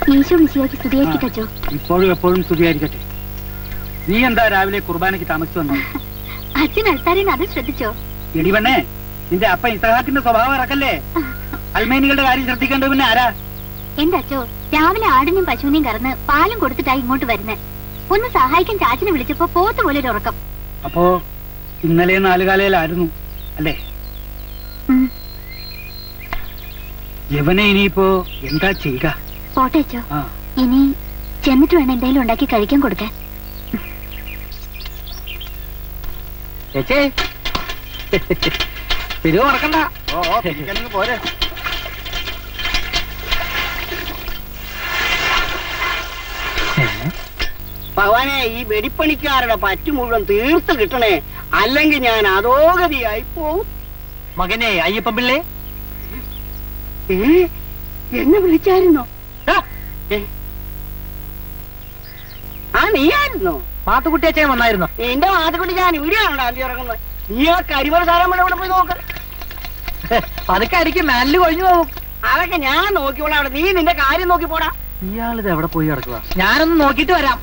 ഈശോ മിശിഹായ്ക്ക് സ്തുതിയായിരിക്കട്ടെ അച്ചോ. ഇപ്പോഴും എപ്പോഴും സ്തുതിയായിരിക്കട്ടെ. നീ എന്താ രാവിലെ കുർബാനയ്ക്ക് താമസിച്ചു വന്നു? അച്ഛൻ അൽത്താരേന്ന് അത് ശ്രദ്ധിച്ചോ? എടിവണ്ണേ, നിന്റെ അപ്പ ഇസഹാക്കിന്റെ സ്വഭാവം ഇറക്കല്ലേ. അൽമേനികളുടെ കാര്യം ശ്രദ്ധിക്കേണ്ടത് പിന്നെ ആരാ? എന്റെ അച്ചോ, രാവിലെ ആടിനെയും പശുവിനെയും കറന്ന് പാലും കൊടുത്തിട്ടായി ഇങ്ങോട്ട് വരുന്നേ. ഒന്ന് സഹായിക്കാൻ ചാച്ചനെ വിളിച്ചപ്പോ പോത്ത് പോലെ ഒരു ഉറക്കം. അപ്പോ ഇന്നലെ 4 കാലയിലായിരുന്നു അല്ലേ? യവനെ ഇനിയിപ്പോ എന്താ ചെയ്യുക? പോട്ടെ അച്ചോ, ഇനി ചെന്നിട്ട് വേണം എന്തെങ്കിലും ഉണ്ടാക്കി കഴിക്കാൻ കൊടുക്കാൻ. പിരിവ് മറക്കണ്ട. പോരെ. ഭഗവാനെ, ഈ വെടിപ്പണിക്കാരുടെ പറ്റു മുഴുവൻ തീർത്ത് കിട്ടണേ, അല്ലെങ്കിൽ ഞാൻ അധോഗതിയായി പോവും. മകനെ അയ്യപ്പൻ പിള്ളേ, എന്നെ വിളിച്ചായിരുന്നോ? ആ, നീയായിരുന്നോ? മാത്തുക്കുട്ടി അച്ഛൻ വന്നായിരുന്നോ? എന്റെ മാത്തുക്കുട്ടി ഞാൻ ഇവിടെയാണോ അന്തി ഇറങ്ങുന്നത്? നീ ആ കരിമല സാധനം ഇവിടെ പോയി നോക്ക്. അതൊക്കെ അടിക്കും മാനില് കൊഴിഞ്ഞു പോകും. അതൊക്കെ ഞാൻ നോക്കിക്കോളാം. അവിടെ നീ നിന്റെ കാര്യം നോക്കി പോടാ. ഇയാളിത് എവിടെ പോയി കിടക്കുക? ഞാനൊന്ന് നോക്കിട്ട് വരാം.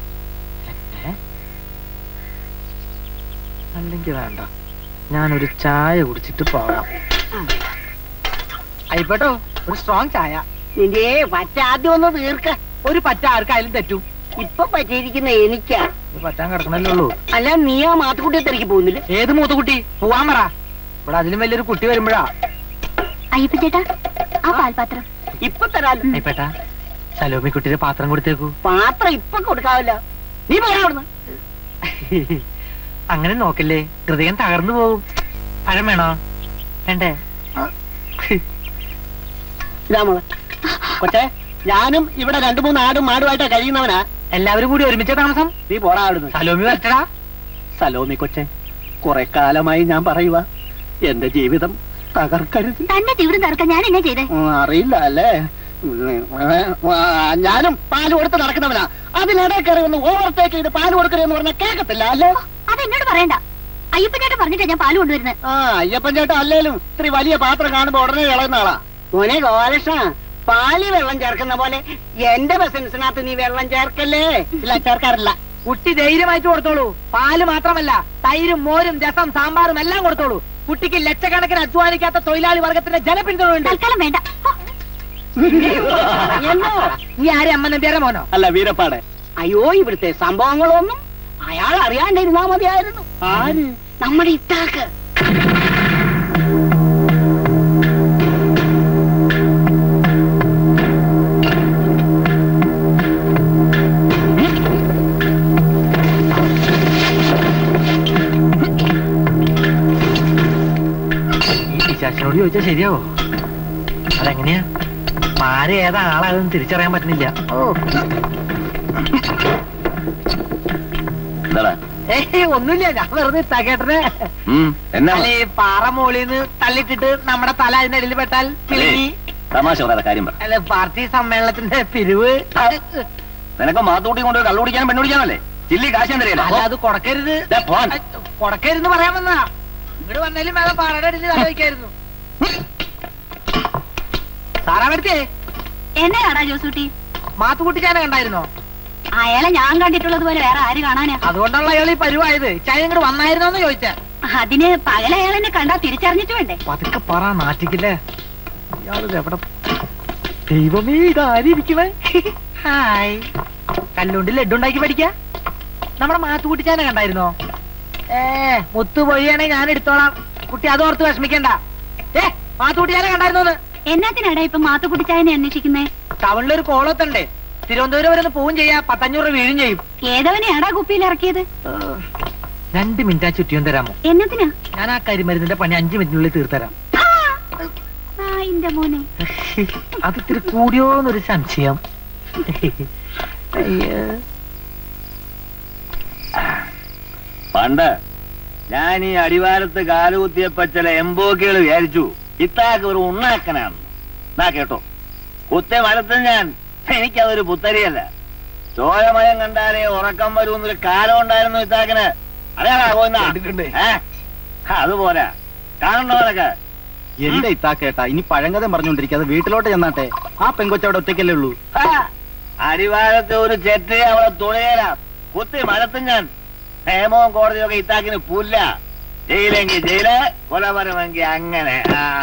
അല്ലെങ്കിൽ വേണ്ട, ഞാനൊരു ചായ കുടിച്ചിട്ട് പോകാം. ആയിപ്പോട്ടോ, ഒരു സ്ട്രോങ് ചായ. നിന്റെ പറ്റ ആദ്യം ഒന്ന് തീർക്ക. ഒരു പറ്റ ആർക്കായാലും തെറ്റും. ഇപ്പൊ പറ്റിയിരിക്കുന്ന എനിക്കാ. പറ്റാൻ കിടക്കണല്ലേ ഉള്ളൂ. അല്ല, നീ ആ മാത്തുക്കുട്ടിയെ തിരക്കി പോകുന്നില്ല? ഏത് മൂത്തുകുട്ടി? പോവാൻ പറ. ഇവിടെ അതിലും വലിയൊരു കുട്ടി വരുമ്പോഴാ. അയ്യപ്പ ചേട്ടാ, ആ പാൽപാത്രം ഇപ്പൊ തരാലോ. അയ്യപ്പേട്ടാ, സലോമി കുട്ടിയുടെ പാത്രം കൊടുത്തേക്കൂ. പാത്രം ഇപ്പൊ കൊടുക്കാവില്ല. നീ പറയാവിടുന്ന്. അങ്ങനെ നോക്കല്ലേ, ഹൃദയം തകർന്നു പോകും. പഴം വേണോ? വേണ്ടേ? ഇതാ മോളെ. കൊച്ചേ, ഞാനും ഇവിടെ 2-3 ആടും മാടുമായിട്ടാ കഴിയുന്നവനാ. എല്ലാവരും കൂടി ഒരുമിച്ച താമസം? നീ പോടാ അവിടുന്ന്. സലോമി വരട്ടടാ. സലോമി കൊച്ചേ, കുറെ കാലമായി ഞാൻ പറയുക, എന്റെ ജീവിതം തകർക്കരുത്. തന്റെ ജീവിതം തകർക്കാൻ ഞാൻ എന്നാ ചെയ്തേ? അറിയില്ല അല്ലേ? ഞാനും പാല് കൊടുത്ത് നടക്കുന്നവനാ. അതിനിടെ കയറി ഒന്ന് ഓവർടേക്ക് ചെയ്ത് പാല് കൊടുക്കരുതെന്ന് പറഞ്ഞാൽ കേൾക്കത്തില്ല അല്ലേ? അതെന്നോട് പറയണ്ട. അയ്യപ്പൻ ചേട്ടൻ പറഞ്ഞിട്ടാ ഞാൻ പാല് കൊണ്ടുവരുന്നത്. ആ, അയ്യപ്പൻ ചേട്ടൻ അല്ലേലും ഇത്തിരി വലിയ പാത്രം കാണുമ്പോ ഉടനെ ഇളയുന്ന ആളാ. മോനെ ഗോപാലകൃഷ്ണ, പാല് വെള്ളം ചേർക്കുന്ന പോലെ എന്റെ ബിസിനസിനകത്ത് നീ വെള്ളം ചേർക്കല്ലേ? ഇല്ല, ചേർക്കാറില്ല. കുട്ടി ധൈര്യമായിട്ട് കൊടുത്തോളൂ. പാല് മാത്രമല്ല, തൈരും മോരും രസം സാമ്പാറും എല്ലാം കൊടുത്തോളൂ. കുട്ടിക്ക് ലക്ഷക്കണക്കിന് അധ്വാനിക്കാത്ത തൊഴിലാളി വർഗത്തിന്റെ ജനപിന്തുണയുണ്ട്. തൽക്കാലം വേണ്ട. നീ ആരെ അമ്മ നമ്പ്യാരെ മോനോ? അല്ല, വീരപ്പാടെ. അയ്യോ, ഇവിടുത്തെ സംഭവങ്ങളൊന്നും അയാൾ അറിയാണ്ടിരുന്നാ മതിയായിരുന്നു. ആര്? നമ്മുടെ ഇത്താക്ക്. ശാസ്ത്രനോട് ചോദിച്ചാ ശരിയാവോ? അതെങ്ങനെയാ? ആരെ ഏതാ ആളാകും തിരിച്ചറിയാൻ പറ്റുന്നില്ല. ഒന്നുമില്ല, ഞാൻ വെറുതെ തകേട്ടനെ പാറ മോളിന്ന് തള്ളിട്ടിട്ട് നമ്മുടെ തല അതിന്റെ ഇടയിൽ പെട്ടാൽ തിളങ്ങി. അല്ല, പാർട്ടി സമ്മേളനത്തിന്റെ പിരിവ്. നിനക്ക് മാത്തൂട്ടി കൊണ്ട് കള്ളു കുടിക്കാനും പെണ്ണു കുടിക്കാനല്ലേ? ചില്ലി കാശാൻ തരില്ല. അല്ല, അത് കൊടക്കരുത്. കൊടക്കരുന്ന് പറയാൻ വന്നാ. ഇവിടെ വന്നാലും വേറെ പാറയുടെ അടിയിൽ തല വയ്ക്കായിരുന്നു. സാറാമടുത്തേ, എന്നാടാ ജോസൂട്ടി? മാത്തുകുട്ടിച്ചാനെ കണ്ടായിരുന്നോ? അയാളെ ഞാൻ കണ്ടിട്ടുള്ളത് പോലെ വേറെ ആര് കാണാനാ? അതുകൊണ്ടുള്ള അയാൾ ഈ പരിവായത്. ചായ ഇങ്ങോട്ട് വന്നായിരുന്നോന്ന് ചോദിച്ചാ. അതിന് പകല അയാളെന്നെ കണ്ടാ തിരിച്ചറിഞ്ഞിട്ട് വേണ്ടേ? പതുക്കെ പറ, നാട്ടിക്കില്ലേ ഇയാളിത് എവിടെ? ദൈവമേ, ഇതാരിക്കണേ. ഹായ്, കല്ലുകൊണ്ട് ലഡ്ഡു ഉണ്ടാക്കി പഠിക്ക. നമ്മുടെ മാത്തുകുട്ടിച്ചാനെ കണ്ടായിരുന്നോ? മുത്തുപൊഴിയാണെ ഞാൻ എടുത്തോളാം. കുട്ടി അതോർത്ത് വിഷമിക്കണ്ട. മാത്തുകുട്ടിച്ചാനെ കണ്ടായിരുന്നോന്ന്? എന്നാത്തിനാടാ ഇപ്പൊ മാത്തുകുട്ടിച്ചായനെ അന്വേഷിക്കുന്നേ? ടൗണിലൊരു കോളത്തുണ്ടേ, തിരുവനന്തപുരം വരെ ഒന്ന് പോവും ചെയ്യാ. 1500 രൂപ വീഴും ചെയ്യും. ഏതവനെയാടാ കുപ്പിയിൽ ഇറക്കിയത്? 2 മിനിറ്റ് ആ ചുറ്റിയും തരാമോ? എന്നത്തിനാ? ഞാൻ ആ കരിമരുന്നിന്റെ പണി 5 മിനിറ്റിനുള്ളിൽ തീർത്തരാം. മോനെ, അത് ഇത്തിരി കൂടിയോന്നൊരു സംശയം. പണ്ട് ഞാൻ ഈ അടിവാരത്ത് കാലുകുത്തിയപ്പോ ചില എംബോക്കികൾ വിചാരിച്ചു ഇത്താക്ക് ഒരു ഉണ്ണാക്കനാണ്. എന്നാ കേട്ടോ, കുത്തിയ മരത്തിൽ ഞാൻ, എനിക്കതൊരു പുത്തരിയല്ല. ചോരമയം കണ്ടാലേ ഉറക്കം വരുമെന്നൊരു കാലം ഉണ്ടായിരുന്നു ഇത്താക്കിന്. അറിയാമോ? അതുപോരാ കാണണ്ടോനൊക്കെ. എന്റെ ഇത്താക്കേട്ടാ, ഇനി പഴങ്കഥം പറഞ്ഞോണ്ടിരിക്കാതെ വീട്ടിലോട്ട് ചെന്നാട്ടെ. ആ പെങ്കൊച്ചവിടെ ഒറ്റയ്ക്കല്ലേ ഉള്ളൂ. അടിവാരത്തെ ഒരു ചെറ്റ് അവളെ തുണയരാം. കുത്തി മഴത്തും ഞാൻ. നിയമവും കോടതിയൊക്കെ ഇത്താക്കിന് പുല്ല. ജയിലെങ്കിൽ ജയില്, കൊലപരമെങ്കിൽ അങ്ങനെ.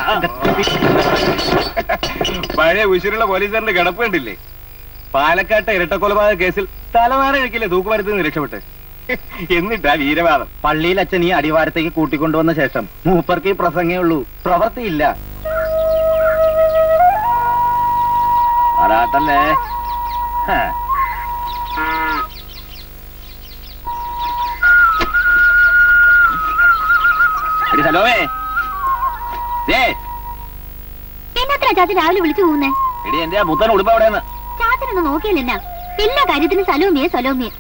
പഴയ ഉശിരുള്ള പോലീസുകാരന്റെ കിടപ്പ് കണ്ടില്ലേ? പാലക്കാട്ടെ ഇരട്ടക്കൊലപാതക കേസിൽ തലവാര കഴിക്കില്ലേ തൂക്കുമരത്തിൽ നിന്ന് രക്ഷപ്പെട്ട്. എന്നിട്ടാ വീരവാദം. പള്ളിയിൽ അച്ഛൻ ഈ അടിവാരത്തേക്ക് കൂട്ടിക്കൊണ്ടുവന്ന ശേഷം മൂപ്പർക്ക് ഈ പ്രസംഗേ ഉള്ളൂ, പ്രവൃത്തിയില്ല. ആരാട്ടല്ലേ? ഹലോവേ, എന്നാത്ര ചാച്ചൻ രാവിലെ വിളിച്ചു പോകുന്നേ? എടി എന്റെ മുത്തൻ ഉടുപ്പ് എവിടെയെന്ന് ചാച്ചനൊന്ന് നോക്കിയല്ലെന്നാ? എല്ലാ കാര്യത്തിനും സലോമിയെ സലോമിയെ.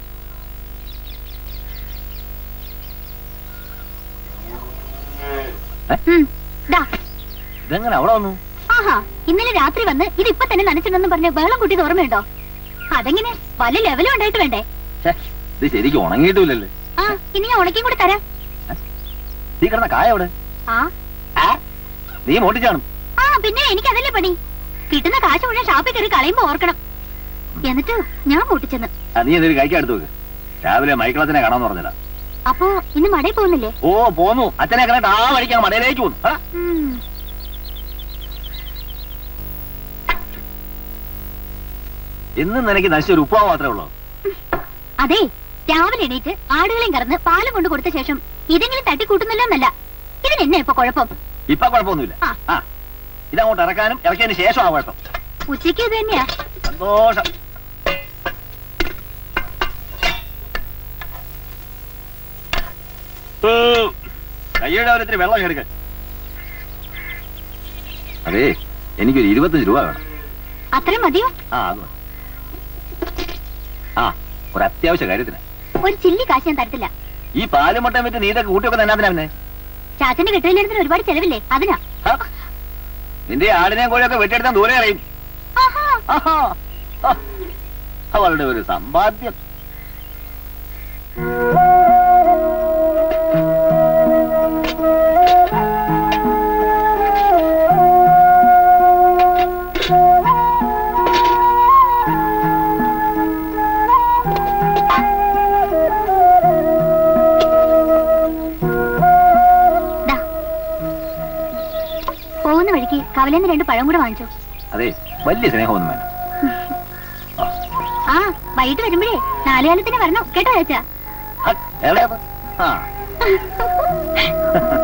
ഇതെങ്ങനെ അവിടെ വന്നു? ആഹാ, ഇന്നലെ രാത്രി വന്ന് ഇതിപ്പൊ തന്നെ നനച്ചിട്ടുണ്ടെന്ന് പറഞ്ഞ് വെള്ളം കൂട്ടിയത് ഓർമ്മയുണ്ടോ? അതെങ്ങനെ വല്ല ലെവലും ഉണ്ടായിട്ട് വേണ്ടേ? ഇത് ശരിക്കും ഉണങ്ങിയിട്ടില്ലല്ലേ? ആ, ഇനി ഞാൻ ഉണക്കിയും കൂടി തരാം. നീ കിടന്ന കായ എവിടെ? നീ മോട്ടിച്ചാണ്? ആ, പിന്നെ എനിക്കതല്ലേ പണി. കിട്ടുന്ന കാശ് മുഴുവൻ ഷാപ്പിൽ കയറി കളയുമ്പോ ഓർക്കണം. എന്നിട്ട് ഞാൻ പൊട്ടിച്ചെന്ന്. നീ എന്തൊരു കഴിക്കാൻ എടുത്തു വെക്ക്. രാവിലെ മൈക്കിളത്തിനെ കാണാന്ന് പറഞ്ഞില്ല. അപ്പൊ ഇന്ന് മടയിൽ പോകുന്നില്ലേ? ഓ, പോന്നു. അച്ഛനെ കണ്ടിട്ട് ആ വഴിക്കാൻ മടയിലേക്ക് പോന്നു. ഇന്നും നിനക്ക് നശിച്ചൊരു ഉപ്പാവ് മാത്രമേ ഉള്ളൂ. അതെ, രാവിലെ എണീറ്റ് ആടുകളെയും കറന്ന് പാലും കൊണ്ട് കൊടുത്ത ശേഷം ഇതെങ്കിലും തട്ടിക്കൂട്ടുന്നല്ലോ എന്നല്ല. ഇതിനെന്നെ ഇപ്പൊ കുഴപ്പം? ഇപ്പൊ കുഴപ്പമൊന്നുമില്ല. ഇതങ്ങോട്ട് ഇറക്കാനും ഇറക്കിയതിന് ശേഷം ആ കുഴപ്പം. ഉച്ചയ്ക്ക് ഇത് തന്നെയാ. സന്തോഷം. കയ്യുടെ ഒരിത്തിരി വെള്ളം എടുക്ക. അതെ, എനിക്കൊരു 25 രൂപ വേണം. അത്രയും മതിയോ? ഒരു അത്യാവശ്യ കാര്യത്തിന്. ഒരു ചില്ലി കാശ് ഞാൻ തരത്തില്ല. ഈ പാലും മുട്ടയും വെച്ച് നീതൊക്കെ കൂട്ടിയൊക്കെ തന്നെ ചാച്ചന്റെ കെട്ടിലെടുത്തിന് ഒരുപാട് ചെലവില്ലേ, അതിനാ. നിന്റെ ആടിനെയും കോഴിയൊക്കെ വെട്ടിയെടുത്താൻ ദൂരെ അറിയും. അവളുടെ ഒരു സമ്പാദ്യം. പോകുന്ന വഴിക്ക് കവലേന്ന് 2 പഴം കൂടെ വാങ്ങിച്ചോ. അതെ, വലിയ സ്നേഹമൊന്നും വേണ്ട. ആ, വൈകിട്ട് വരുമ്പോഴേ 4 കാലത്തിന് വരണം കേട്ടോ ചാച്ചാ. എവിടെയാ?